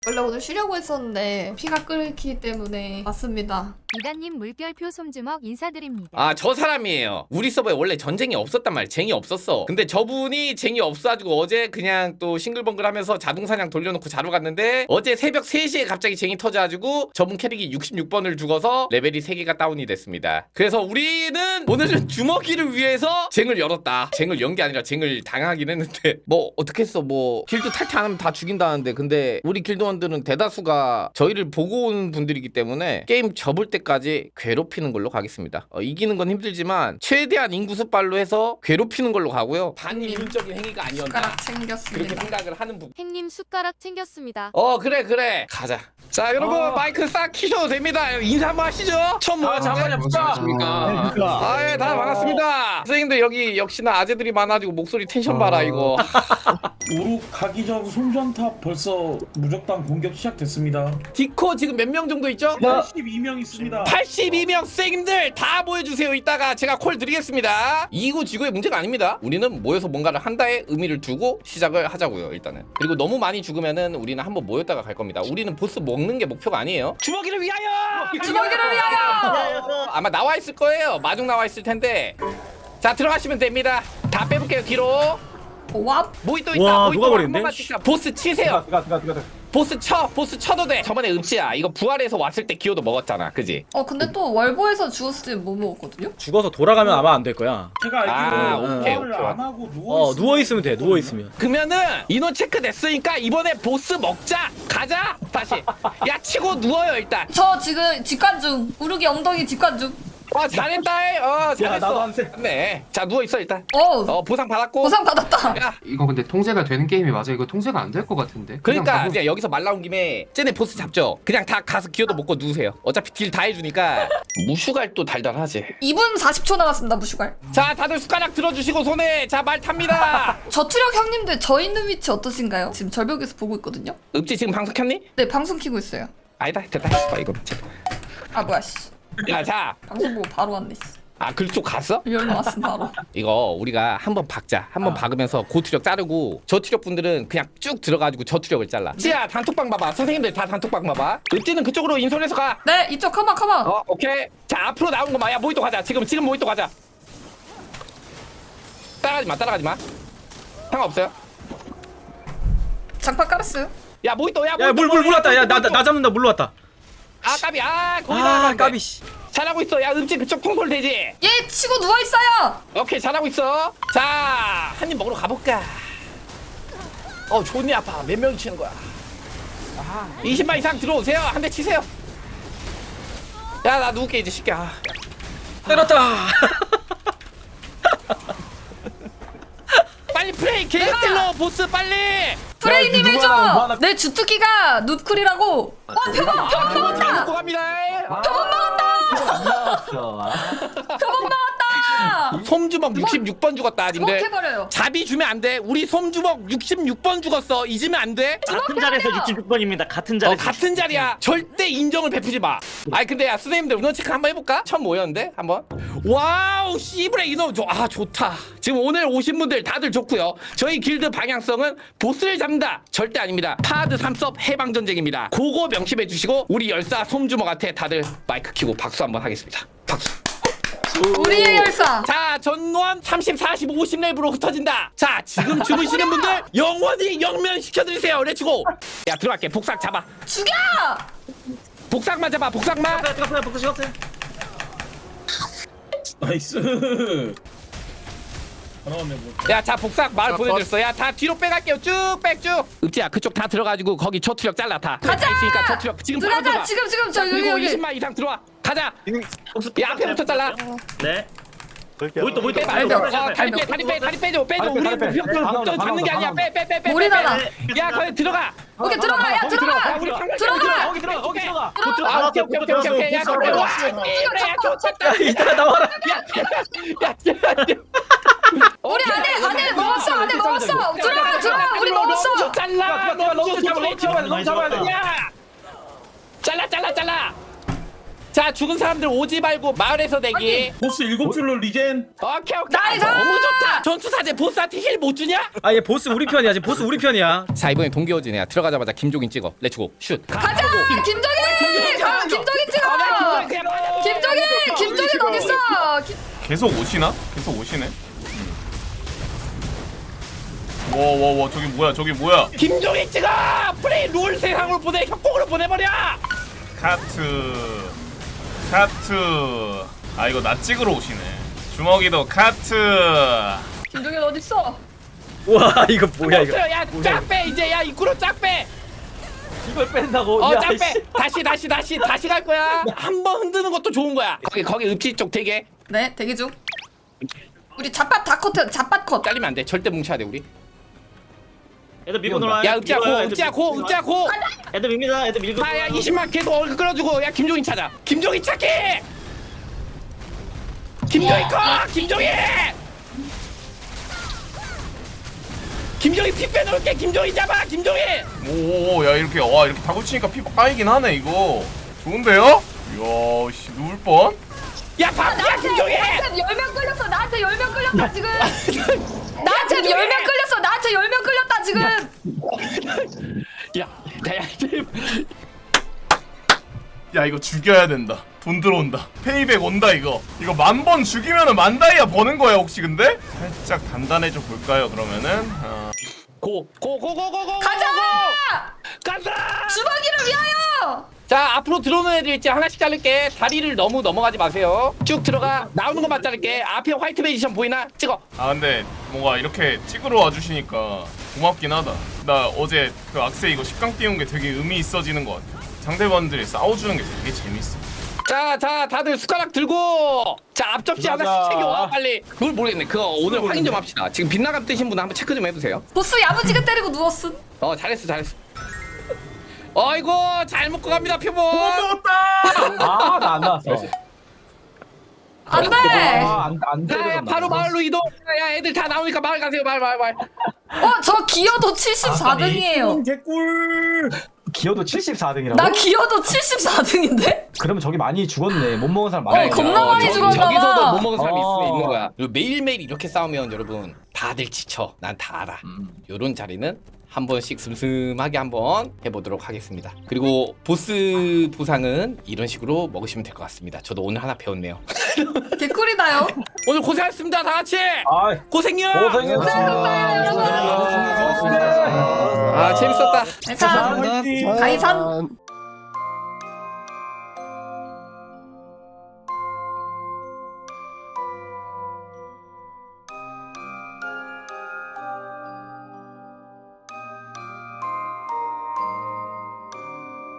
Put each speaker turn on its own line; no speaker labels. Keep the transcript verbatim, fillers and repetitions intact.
원래 오늘 쉬려고 했었는데 피가 끓기 때문에 왔습니다.
이단님 물결표 솜주먹 인사드립니다.
아, 저 사람이에요. 우리 서버에 원래 전쟁이 없었단 말이야. 쟁이 없었어. 근데 저분이 쟁이 없어가지고 어제 그냥 또 싱글벙글 하면서 자동사냥 돌려놓고 자러 갔는데 어제 새벽 세 시에 갑자기 쟁이 터져가지고 저분 캐릭이 육십육 번을 죽어서 레벨이 세 개가 다운이 됐습니다. 그래서 우리는 오늘은 주먹이를 위해서 쟁을 열었다. 쟁을 연 게 아니라 쟁을 당하긴 했는데 뭐 어떻게 했어. 뭐 길드 탈퇴 안 하면 다 죽인다는데 근데 우리 길드원들은 대다수가 저희를 보고 온 분들이기 때문에 게임 접을 때까지 괴롭히는 걸로 가겠습니다. 어, 이기는 건 힘들지만 최대한 인구수빨로 해서 괴롭히는 걸로 가고요. 반인륜적인 행위가 아니었나
숟가락
그렇게
챙겼습니다.
생각을 하는 부분.
행님 숟가락 챙겼습니다.
어 그래 그래 가자. 자 여러분
어.
마이크 싹 키셔도 됩니다. 인사 한번 하시죠. 처음
아, 잠깐만요.
모았습니까?
그러니까.
아예 다 반갑습니다. 선생님들 여기 역시나 아재들이 많아지고 목소리 텐션 봐라
어.
이거.
오룩 가기 전 송전탑 벌써 무적당 공격 시작됐습니다.
디코 지금 몇 명 정도 있죠?
팔십이 명 있습니다.
팔십이 명 선생님들 다 모여주세요. 이따가 제가 콜 드리겠습니다. 이구 지구의 문제가 아닙니다. 우리는 모여서 뭔가를 한다에 의미를 두고 시작을 하자고요. 일단은. 그리고 너무 많이 죽으면은 우리는 한번 모였다가 갈 겁니다. 우리는 보스 먹는 게 목표가 아니에요. 주먹이를 위하여!
주먹이를 위하여!
아마 나와 있을 거예요. 마중 나와 있을 텐데. 자 들어가시면 됩니다. 다 빼볼게요 뒤로.
와,
모이 또 있다.
와,
모이
누가
또
버리는데?
한 번만 찍자. 보스 치세요.
들어가 들어가 들어가.
보스 쳐. 보스 쳐도 돼. 저번에 읍지야. 이거 부활해서 왔을 때 기호도 먹었잖아. 그지?
어 근데 또 월보에서 주웠을 때 뭐 먹었거든요?
죽어서 돌아가면 아마 안 될 거야.
제가
아,
알기로
오케이,
부활을
오케이.
안 하고 누워
어 누워 있으면 돼. 누워 있으면.
그러면은 인원 체크 됐으니까 이번에 보스 먹자. 가자. 다시. 야 치고 누워요 일단.
저 지금 직관 중. 우르기 엉덩이 직관 중.
어 잘했다. 어 잘했어.
나도 한 세.
네. 자 누워 있어 일단.
어우,
어 보상 받았고.
보상 받았다.
야.
이거 근데 통제가 되는 게임이 맞아? 이거 통제가 안 될 것 같은데. 그냥
그러니까
가보-
그냥 여기서 말 나온 김에 쟤네 보스 잡죠. 그냥 다 가서 기어도 먹고 누우세요. 어차피 딜 다 해주니까. 무슈갈도 달달하지.
이 분 사십 초 남았습니다, 무슈갈.
자 다들 숟가락 들어주시고 손에 자 말 탑니다.
저투력 형님들 저 있는 위치 어떠신가요? 지금 절벽에서 보고 있거든요?
읍지 지금 방송 켰니?
네, 방송 키고 있어요.
아니다 됐다 했어 이거.
아, 뭐야, 씨.
야자.
방송 보고 바로 왔네, 씨.
아 그쪽 갔어?
열로 왔음, 바로.
이거 우리가 한번 박자 한번
아.
박으면서 고투력 자르고 저투력 분들은 그냥 쭉 들어가지고 저투력을 잘라. 지야 단톡방 봐봐. 선생님들 다 단톡방 봐봐. 읍지는 그쪽으로 인솔해서 가.
네, 이쪽 컴온, 컴온.
어 오케이. 자 앞으로 나온 거 마야 모히또 가자. 지금 지금 모히또 가자. 따라가지 마 따라가지 마. 상관없어요.
장판 깔았어요.
야 모히또 야
야 물 물 물 왔다. 야 나 나 잡는다. 물 왔다.
아 까비 아 거기
아
나가면
까비 씨.
잘하고 있어. 야 읍지 그쪽 통솔 되지.
얘 치고 누워있어요.
오케이 잘하고 있어. 자 한 입 먹으러 가볼까. 어 존이 아파. 몇 명이 치는 거야. 이십 만 이상 들어오세요. 한 대 치세요. 야 나 누울게 이제 쉽게. 아.
때렸다.
빨리 프레이 개스틸러 보스 빨리.
프레이님
누구 하나, 누구
해줘.
하나.
내 주특기가 눕쿨이라고. 어, 표범,
아,
표범
먹고
먹었다.
갑니다.
표범 먹었다. 표범 먹었다.
솜주먹 육십육 번 죽었다 님들.
주먹해버려요.
자비 주면 안 돼. 우리 솜주먹 육십육 번 죽었어. 잊으면 안 돼.
같은 자리에서 육십육 번입니다. 같은
어,
자리에서.
같은 자리야. 절대 인정을 베푸지 마. 아니 근데 야 선생님들 인원 체크 한번 해볼까? 처음 모였는데 한번. 와우 씨브레 인원 좋. 아 좋다. 지금 오늘 오신 분들 다들 좋고요. 저희 길드 방향성은 보스를 잡는다. 절대 아닙니다. 파드 삼섭 해방 전쟁입니다. 그거 명심해 주시고 우리 열사 솜주먹한테 다들 마이크 켜고 박수 한번 하겠습니다. 박수.
우리의 열사.
자 전원 삼십, 사십, 오십 렙으로 흩어진다. 자 지금 주무시는 분들 영원히 영면시켜드리세요. 렛츠고. 야 들어갈게. 복삭 잡아.
죽여.
복삭만 잡아. 복삭만.
뜨겁어요. 복수 시갔어요.
나이스. 하나만 뭐.
야 자 복삭 마을 보내줬어. 야 다 뒤로 빼갈게요. 쭉백쭉 읍지야 그쪽 다 들어가지고 거기 저투력 잘라 다.
가자!
다 있으니까 저투력 지금 바로
들어가자.
들어가.
지금 지금 저 여기
그리고
여기.
이십만 이상 들어와. 가자. 야 앞에부터 잘라.
네. 모이또 모이또.
빼 말고. 어, 다리 빼 다리 빼 다리 빼줘 빼줘.
다리 빼,
우리
다리 빼.
목표
다
목표
나온다,
잡는 게
다
아니야.
나온다.
빼 빼 빼 빼.
머리 나가.
야 거기 들어가.
오케이 들어가. 야
거기
들어가.
우리 한글
들어가.
거기 들어가. 거기 들어가.
아 오케이 오케이 오케이 오케이 오케이. 야
들어가,
그래. 와
들어가.
이거야 좋겠다.
야 이따가 나와라.
야야야.
우리 안에 안에 먹었어. 안에 먹었어. 들어가 들어가. 우리 먹었어.
잘라.
야, 너무 잡아, 너무 잡아야 돼, 너무 잡아야 돼.
야. 잘라 잘라 잘라. 자 죽은 사람들 오지 말고 마을에서 대기.
보스 일곱 줄로 리젠.
오케이 오케이.
나이스!
너무 좋다. 전투사제 보스한테 힐 못 주냐?
아 얘 보스 우리 편이야 지금 보스 우리 편이야.
자 이번에 동기어진이야. 들어가자마자 김종인 찍어. 렛츠고 슛.
가자 김정인. 가 김정인 찍어. 김정인 김정인 어디 있어? 김-
계속 오시나? 계속 오시네. 와와와 저기 뭐야 저기 뭐야?
김종인 찍어. 프레이 롤 세상으로 보내. 협곡으로 보내버려.
카트 카트. 아 이거 나 찍으러 오시네. 주먹이도 카트.
김정인 어디 있어?
와 이거 뭐야 이거.
야쫙 빼 이제. 야 입구로 쫙 빼.
이걸 뺀다고?
어
야,
쫙
씨.
빼. 다시 다시 다시 다시 갈 거야. 한 번 흔드는 것도 좋은 거야. 거기 거기 읍지 쪽 되게
네 대기 중. 우리 잡밭 다 커트 잡밭 컷.
잘리면 안 돼. 절대 뭉쳐야 돼 우리.
애들 밀고 놀아.
야 읍지야 고
밀어요,
읍지야
애들
고
밀고
읍지야 고.
놀아. 애들 밉니다. 애들 밀고.
아야 이십만 계속 얼굴 끌어주고. 야 김종인 찾아. 김종인 찾기. 김종인 커. 김종인. 김종인 피 빼놓을게. 김종인 잡아. 김종인.
오야 이렇게 와 이렇게 다구 치니까 피 빠이긴 하네 이거. 좋은데요? 이야 씨 누울 뻔.
야 밥이야 김종인.
나한테 열명 끌렸어. 나한테 열명 끌렸다 지금. 나한테 열명 끌렸어. 나한테 열명 끌렸다 지금.
야, 야,
야 이거 죽여야 된다. 돈 들어온다. 페이백 온다 이거. 이거 만 번 죽이면은 만 다이아 버는 거야 혹시 근데? 살짝 단단해져 볼까요 그러면은? 어.
고, 고, 고, 고, 고, 고.
가자.
가자.
주먹이를 위하여.
자, 앞으로 들어오는 애들 있지 하나씩 자를게. 다리를 너무 넘어가지 마세요. 쭉 들어가. 나오는 것만 자를게. 앞에 화이트 베이지션 보이나? 찍어.
아 근데 뭔가 이렇게 찍으러 와주시니까 고맙긴 하다. 나 어제 그 악세 이거 십 강 띄운 게 되게 의미 있어지는 것 같아. 상대방들이 싸워주는 게 되게 재밌어.
자, 자, 다들 숟가락 들고. 자, 앞접시 하나씩 챙겨와 빨리. 그걸 모르겠네. 그거 오늘 확인 좀 합시다. 지금 빗나감 뜨신 분 한번 체크 좀 해보세요.
보스 야무지게 때리고 누웠음.
어, 잘했어, 잘했어. 어이구, 잘 먹고 갑니다, 표본.
아, 나 안 나왔어.
안돼.
아, 안, 안
자, 야,
때려졌나
바로
보다.
마을로 이동. 야, 애들 다 나오니까 마을 가세요. 마을, 마을, 마을.
어저 기어도 칠십사 등이에요.
개꿀. 기어도 칠십사 등이라고?
나 기어도 칠십사 등인데?
그러면 저기 많이 죽었네. 못 먹은 사람
어,
많아.
겁나 많이
저-
죽었나 봐.
저기서도 못 먹은 사람이 있을 수
어.
있는 거야. 그리고 매일매일 이렇게 싸우면 여러분 다들 지쳐. 난 다 알아. 요런 자리는 한 번씩 슴슴하게 한번 해보도록 하겠습니다. 그리고 보스 보상은 이런 식으로 먹으시면 될 것 같습니다. 저도 오늘 하나 배웠네요.
개꿀이다요.
오늘 고생하셨습니다. 다 같이.
아,
고생요.
고생했습니다.
아 재밌었다.
가이산. 가이산.